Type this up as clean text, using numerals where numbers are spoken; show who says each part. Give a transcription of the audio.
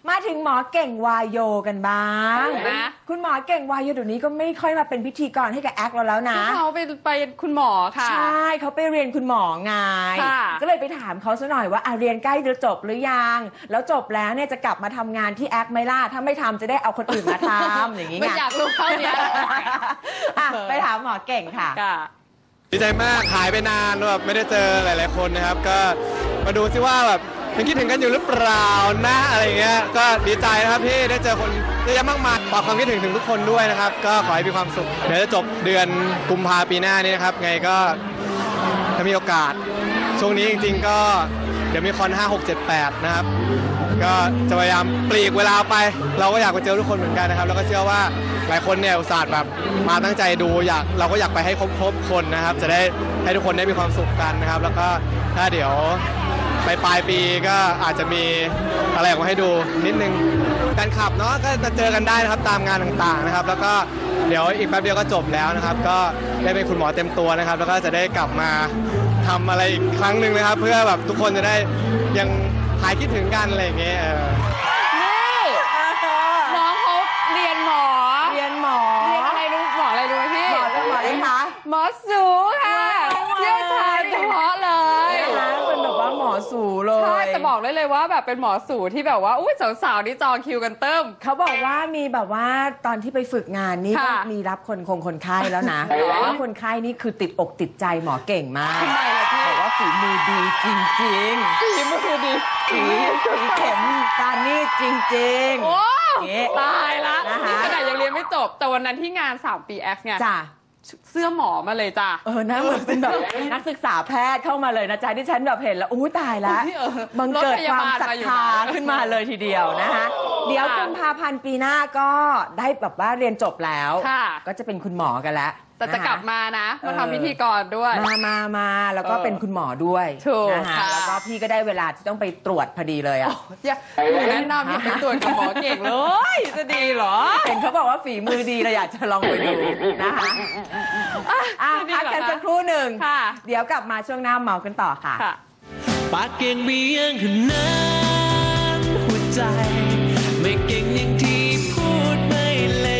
Speaker 1: มาถึงหมอเก่งวายโยกันบ้างนะคุณหมอเก่งวายโยเดี๋ยวนี้ก็ไม่ค่อยมาเป็นพิธีกรให้กับแอคเราแล้วนะ
Speaker 2: เขาไปคุณหมอค่ะ
Speaker 1: ใช่เขาไปเรียนคุณหมอไงก็เลยไปถามเขาซะหน่อยว่าเรียนใกล้จะจบหรือยังแล้วจบแล้วเนี่ยจะกลับมาทำงานที่แอคไหมล่ะถ้าไม่ทำจะได้เอาคนอื่นมาทำอย่างนี้ไง
Speaker 2: อยากรู้เท่านี้
Speaker 1: ไปถามหมอเก่งค่ะ
Speaker 3: ดีใจมากหายไปนานแบบไม่ได้เจอหลายๆคนนะครับก็มาดูซิว่าแบบยังคิดถึงกันอยู่หรือเปล่านะอะไรเงี้ยก็ดีใจนะครับที่ได้เจอคนเยอะแยะมากมายฝากความคิดถึงทุกคนด้วยนะครับก็ขอให้มีความสุขเดี๋ยวจะจบเดือนกุมภาพันธ์ปีหน้านี้นะครับไงก็ถ้ามีโอกาสช่วงนี้จริงๆก็เดี๋ยวมีคอน5 6 7 8นะครับก็จะพยายามปลีกเวลาไปเราก็อยากไปเจอทุกคนเหมือนกันนะครับแล้วก็เชื่อว่าหลายคนเนี่ยอุตส่าห์แบบมาตั้งใจดูเราก็อยากไปให้ครบคนนะครับจะได้ให้ทุกคนได้มีความสุขกันนะครับแล้วก็ถ้าเดี๋ยวปลายปีก็อาจจะมีอะไรออกมาให้ดูนิดนึงการขับเนาะก็จะเจอกันได้นะครับตามงานต่างๆนะครับแล้วก็เดี๋ยวอีกแป๊บเดียวก็จบแล้วนะครับก็ได้เป็นคุณหมอเต็มตัวนะครับแล้วก็จะได้กลับมาทำอะไรอีกครั้งหนึ่งนะครับเพื่อแบบทุกคนจะได้ยังหายคิดถึงกันอะไรอย่างเงี้ย
Speaker 2: นี่น้องเขาเรียนหมอเรียนอะไรรู้หมออะไรรู้ไหมพี่
Speaker 1: หมออะไรคะ
Speaker 2: หมอสูค่ะเชี่ยวชาญเฉพาะเลย
Speaker 1: เป็นแบบว่าหมอสูเลย
Speaker 2: ใช่แต่บอกเลยว่าแบบเป็นหมอสูที่แบบว่าอุ้ยสาวๆนี่จองคิวกันเติม
Speaker 1: เขาบอกว่ามีแบบว่าตอนที่ไปฝึกงานนี่ก็มีรับคนไข้แล้วนะแล้วคนไข้นี่คือติดอกติดใจหมอเก่งมาก
Speaker 2: ทำไมล่ะพี่
Speaker 1: บอกว่าฝีมือดีจริงๆ
Speaker 2: ฝีมือดี
Speaker 1: ฝีเข็มการนี่จริง
Speaker 2: ๆโอ้ตายละนี่ขนาดยังเรียนไม่จบแต่วันนั้นที่งาน3 ปี X เนี่ย
Speaker 1: จ้ะ
Speaker 2: เสื้อหมอมาเลยจ้ะ
Speaker 1: นะเหมือนเป็นแบบนักศึกษาแพทย์เข้ามาเลยนะจ๊ะที่ฉันแบบเห็นแล้วตายแล้วบังเกิดความศรัทธาขึ้นมาเลยทีเดียวนะคะเดี๋ยวกุมภาพันธ์ปีหน้าก็ได้แบบว่าเรียนจบแล้วก็จะเป็นคุณหมอกันแล้ว
Speaker 2: แต่จะกลับมานะมาทำพิธีกรด้วย
Speaker 1: มาแล้วก็เป็นคุณหมอด้วยนะคะแล้วก็พี่ก็ได้เวลาที่ต้องไปตรวจพอดีเลย
Speaker 2: แนะนำให้ไปตรวจกับหมอเก่งเลยจะดีเหรอ
Speaker 1: เห็นเขาบอกว่าฝีมือดีเราอยากจะลองไปดูนะคะพักกันสักครู่หนึ่งเดี๋ยวกลับมาช่วงหน้าเมากันต่อค่ะ
Speaker 4: ปากเก่งเบี้ยงขนาดหัวใจไม่เก่งอย่างที่